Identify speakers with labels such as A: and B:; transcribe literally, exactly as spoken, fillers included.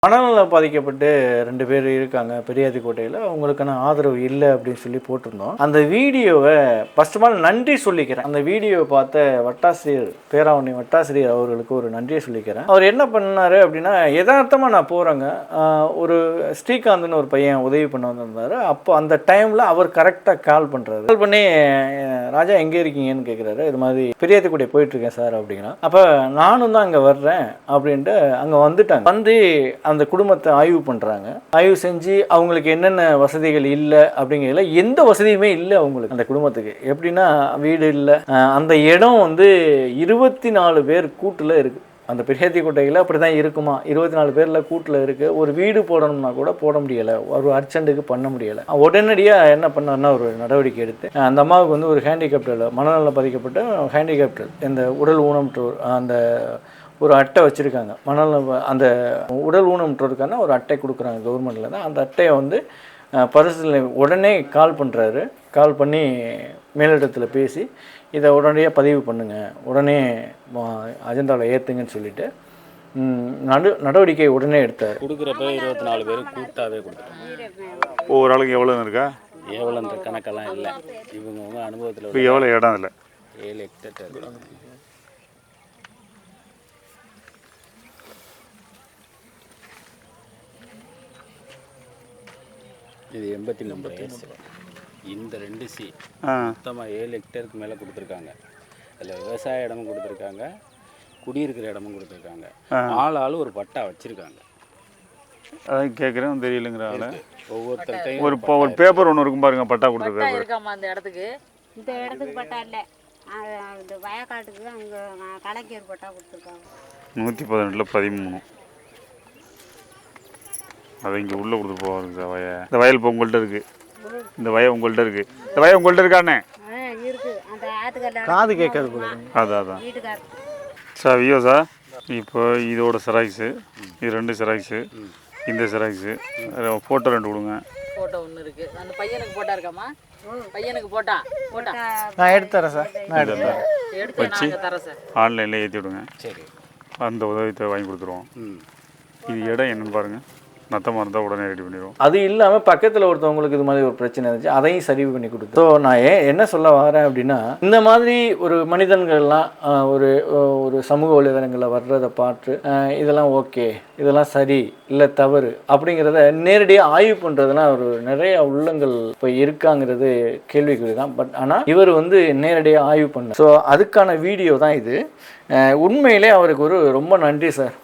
A: மனநலம் பாதிக்கப்பட்டு ரெண்டு பேர் இருக்காங்க பெரியாதிக்கோட்டையில். அவங்களுக்கான ஆதரவு இல்லை அப்படின்னு சொல்லி போட்டிருந்தோம். அந்த வீடியோவை ஃபர்ஸ்ட் ஆஃப் ஆல் நன்றி சொல்லிக்கிறேன். அந்த வீடியோவை பார்த்த வட்டாசிரியர் பேராவணி வட்டாசிரியர் அவர்களுக்கு ஒரு நன்றியை சொல்லிக்கிறேன். அவர் என்ன பண்ணார் அப்படின்னா, யதார்த்தமாக நான் போகிறேங்க, ஒரு ஸ்ரீகாந்த்னு ஒரு பையன் உதவி பண்ண வந்திருந்தார். அப்போ அந்த டைமில் அவர் கரெக்டாக கால் பண்ணுறாரு. கால் பண்ணி, ராஜா எங்கே இருக்கீங்கன்னு கேட்குறாரு. இது மாதிரி பெரியாதிக்கோட்டை போயிட்டுருக்கேன் சார் அப்படின்னா. அப்போ நானும் தான் அங்கே வர்றேன் அப்படின்ட்டு அங்கே வந்துட்டாங்க. வந்து அந்த குடும்பத்தை ஆய்வு பண்ணுறாங்க. ஆய்வு செஞ்சு அவங்களுக்கு என்னென்ன வசதிகள் இல்லை அப்படிங்கிறதுல எந்த வசதியுமே இல்லை அவங்களுக்கு. அந்த குடும்பத்துக்கு எப்படின்னா, வீடு இல்லை, அந்த இடம் வந்து இருபத்தி நாலு பேர் கூட்டில் இருக்குது. அந்த பெரியாதிக்கோட்டையில் அப்படி தான் இருக்குமா, இருபத்தி நாலு பேரில் கூட்டில் இருக்குது. ஒரு வீடு போடணும்னா கூட போட முடியலை, ஒரு அர்ஜென்ட்டுக்கு பண்ண முடியலை. உடனடியாக என்ன பண்ணார்னா ஒரு நடவடிக்கை எடுத்து அந்த அம்மாவுக்கு வந்து ஒரு ஹேண்டிகேப்டல், மனநலம் பாதிக்கப்பட்ட ஹேண்டிகேப்டல், இந்த உடல் ஊனமுற்றோர் அந்த ஒரு அட்டை வச்சுருக்காங்க. மனநலம் அந்த உடல் ஊனமுற்றோருக்கான ஒரு அட்டை கொடுக்குறாங்க கவர்மெண்ட்டில் தான். அந்த அட்டையை வந்து பரிசீலனை உடனே கால் பண்ணுறாரு. கால் பண்ணி மேலிடத்தில் பேசி இதை உடனடியாக பதிவு பண்ணுங்கள், உடனே அஜெண்டாவில் ஏற்றுங்கன்னு சொல்லிவிட்டு நடு நடவடிக்கை உடனே எடுத்தார்.
B: கொடுக்குறப்ப இருபத்தி நாலு பேர் கூட்டாகவே கொடுத்துருக்காங்க.
C: ஒவ்வொரு ஆளுக்கு எவ்வளோன்னு இருக்கா,
B: எவ்வளோன்ற கணக்கெல்லாம் இல்லை. இவங்க அனுபவத்தில்
C: இப்போ எவ்வளோ இடம் இல்லை,
B: ஏழு ஹெக்டேர். இது எண்பத்தி மூணு வயசு. இந்த ரெண்டு சி மொத்தமாக ஏழு ஹெக்டேருக்கு மேலே கொடுத்துருக்காங்க. அதில் விவசாய இடமும் கொடுத்துருக்காங்க, குடியிருக்கிற இடமும் கொடுத்துருக்காங்க. ஆள் ஆள் ஒரு பட்டா வச்சுருக்காங்க.
C: அதான் கேட்குறேன், தெரியலங்கிற ஆள்
B: ஒவ்வொருத்தர்கிட்டையும்
C: ஒரு ஒரு பேப்பர் ஒன்று இருக்கும் பாருங்க, பட்டா கொடுத்துருக்காங்க.
D: இருக்காமா அந்த இடத்துக்கு?
E: இந்த இடத்துக்கு பட்டா இல்லை, இந்த வயக்காட்டுக்கு அங்கே கலைஞர் பட்டா கொடுத்துருக்காங்க.
C: நூற்றி பதினெட்டில் பதிமூணு அதை இங்கே உள்ளே கொடுத்துட்டு போவாங்க. இந்த வய இந்த வயல் இப்போ உங்கள்கிட்ட இருக்குது, இந்த வய உங்கள்கிட்ட இருக்குது, இந்த வய உங்கள்கிட்ட இருக்கானே
E: இருக்குது. அந்த ஆத்துக்கல்ல
A: காது கேட்காது போல.
C: அதான் அதான் சார் வியோ சார். இப்போ இதோட செராக்ஸு, இது ரெண்டு செராக்ஸு, இந்த செராக்ஸு, ஃபோட்டோ ரெண்டு கொடுங்க.
D: ஃபோட்டோ ஒன்று இருக்குது. அந்த பையனுக்கு போட்டா இருக்காமா? பையனுக்கு போட்டா போட்டா
A: நான் எடுத்து தரேன் சார். நான் எடுத்து
D: எடுத்து
C: வச்சு
D: நான் தரேன் சார்.
C: ஆன்லைனில் ஏற்றி விடுங்க.
B: சரி,
C: அந்த உதவித்தை வாங்கி கொடுத்துருவோம். இது இடம் என்னன்னு பாருங்கள், நத்தமாக இருந்தால் உடனே ரெடி பண்ணிடுவோம்.
A: அது இல்லாமல் பக்கத்தில் ஒருத்தவங்களுக்கு இது மாதிரி ஒரு பிரச்சனை இருந்துச்சு, அதையும் சரி பண்ணி கொடுத்து. ஸோ நான் ஏன் என்ன சொல்ல வரேன் அப்படின்னா, இந்த மாதிரி ஒரு மனிதர்கள்லாம் ஒரு ஒரு சமூக வலைதளங்களில் வர்றதை பார்த்து இதெல்லாம் ஓகே, இதெல்லாம் சரி இல்லை தவறு அப்படிங்கிறத நேரடியாக ஆய்வு பண்ணுறதுலாம் ஒரு நிறைய உள்ளங்கள் இப்போ இருக்காங்கிறது கேள்விக்குறி தான். பட் ஆனால் இவர் வந்து நேரடியாக ஆய்வு பண்ண, ஸோ அதுக்கான வீடியோ தான் இது. உண்மையிலே அவருக்கு ஒரு ரொம்ப நன்றி சார்.